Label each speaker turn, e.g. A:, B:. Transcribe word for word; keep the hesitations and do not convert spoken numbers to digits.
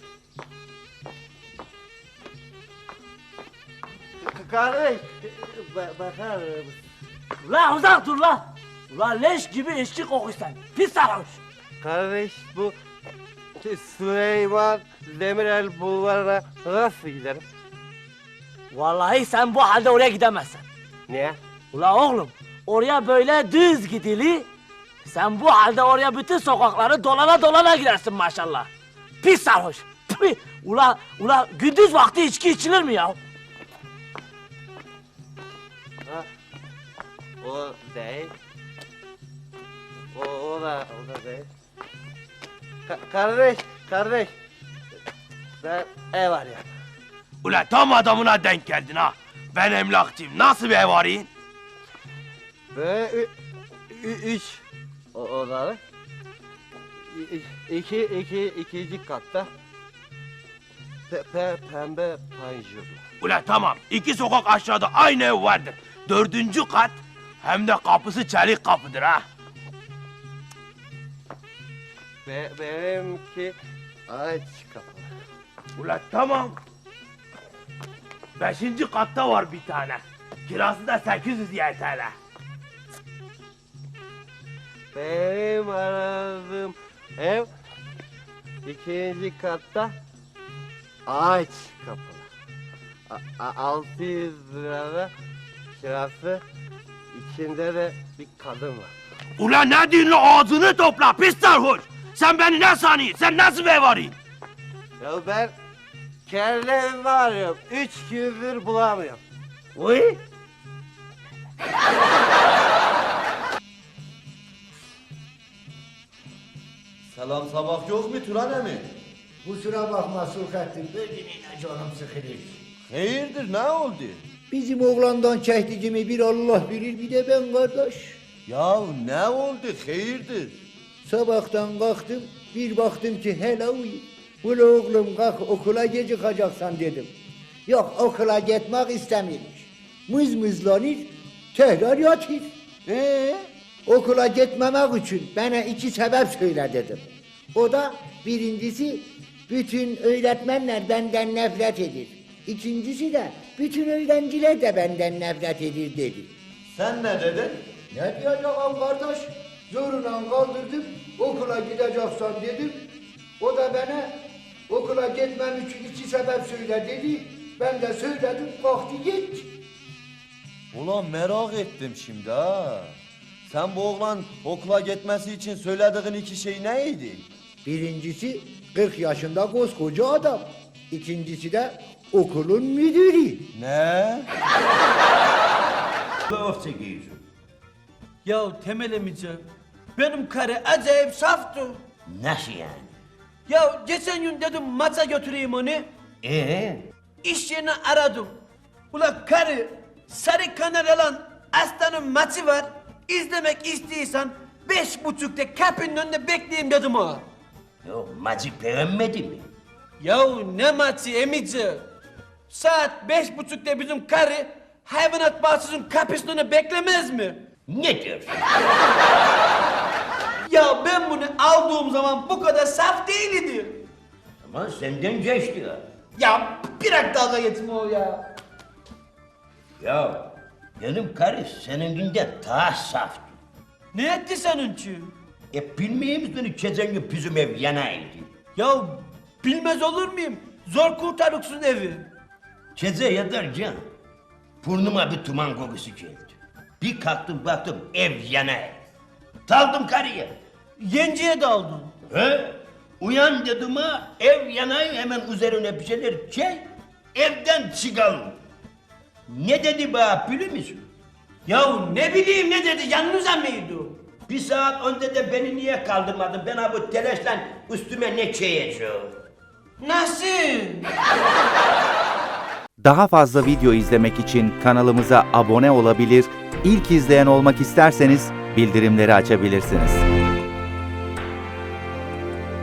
A: Kardeş, ba- bakar mısın?
B: Ulan uzak dur lan. Ulan leş gibi içki kokuyorsun. Pis sarhoş.
A: Kardeş, bu Süleyman Demirel bulvarına nasıl giderim?
B: Vallahi sen bu halde oraya gidemezsin.
A: Niye?
B: Ulan oğlum, oraya böyle düz gidili. Sen bu halde oraya bütün sokakları dolana dolana gidersin maşallah. Pis sarhoş. Tüh! Ula, ula gündüz vakti içki içilir mi ya?
A: Ha? O değil. O, o da, o da değil. Ka- kardeş, kardeş. Ben ev arıyorum.
C: Ula tam adamına denk geldin ha. Ben emlakçıyım. Nasıl bir ev arayın?
A: Ve ü, ü, üç o, odalı. İ, iki, iki, ikinci katta. Pe, pe, pembe panjurlu.
C: Ula tamam. İki sokak aşağıda aynı ev vardır. Dördüncü kat hem de kapısı çelik kapıdır ha.
A: Be, benimki aç kapalı.
C: Ula tamam. Beşinci katta var bir tane. Kirası da sekiz yüz Y T L.
A: Benim aradığım ev ikinci katta ağaç kapalı. A, a, altı yüz lirada kirası, içinde de bir kadın var.
C: Ula ne diyorsun lan? Ağzını topla pis sarhoş. Sen beni ne sanıyorsun? Sen nasıl bir ev arıyorsun?
A: Ya ben kendi evimi arıyorum. Üç gündür bulamıyorum.
C: Uy.
D: Selam sabah yok mu Turan emi?
E: Kusura bakma Sulhattin, bugün yine canım sıkılır.
D: Hayırdır ne oldu?
E: Bizim oğlandan çektiğimi bir Allah bilir, bir de ben kardeş.
D: Ya ne oldu hayırdır?
E: Sabahtan kalktım, bir baktım ki hele uyuyor. Ula oğlum kalk okula gecikeceksen dedim. Yok okula gitmek istemiyormuş. Mızmızlanır, tekrar yatır.
D: Ee?
E: Okula gitmemek için bana iki sebep söyle dedim. O da birincisi bütün öğretmenler benden nefret edir. İkincisi de bütün öğrenciler de benden nefret edir dedi.
D: Sen ne dedin?
E: Ne diyeceğim kardeş? Zoruna kaldırdım, okula gideceksen dedim. O da bana okula gitmem için iki sebep söyle dedi. Ben de söyledim, kalktı git.
D: Ulan merak ettim şimdi ha. Sen bu oğlan okula gitmesi için söylediğin iki şey neydi?
E: Birincisi kırk yaşında koskoca adam. İkincisi de okulun müdürü.
D: Ne?
F: Ya Temel emici, benim karı acayip saftı.
G: Nasıl yani?
F: Ya geçen gün dedim maça götüreyim onu.
G: Ee?
F: İş yerini aradım. Ula karı, sarı kanal alan aslanın maçı var. İzlemek istiyorsan beş buçukta kapının önünde bekleyeyim dedim ha.
G: Yok macı beğenmedi mi?
F: Ya ne maçı emici? Saat beş buçukta bizim karı hayvanat bahçesinin kapısının önünde beklemez mi?
G: Ne diyorsun?
F: Ya ben bunu aldığım zaman bu kadar saf değildi.
G: Ama senden geçti ya.
F: Ya bırak dalga geçme o ya.
G: Ya benim karı seninkinden daha saftı.
F: Ne etti senin için?
G: E bilmiyor musun geçen gün bizim ev yanaydı.
F: Ya bilmez olur muyum? Zor kurtarıksın evi.
G: Gece yatarken burnuma bir duman kokusu geldi. Bir kalktım baktım ev yanay. Daldım karıya.
F: Yenciye daldın.
G: He? Uyan dedim ha, ev yanay hemen üzerine bir şeyler çek, evden çıkalım. Ne dedi bana biliyor musun?
F: Ya ne bileyim ne dedi yanınıza mıydı?
G: Bir saat önce de beni niye kaldırmadın? Ben ha bu telaşla üstüme ne çeyeceğim?
F: Nasıl?
H: Daha fazla video izlemek için kanalımıza abone olabilir, ilk izleyen olmak isterseniz bildirimleri açabilirsiniz.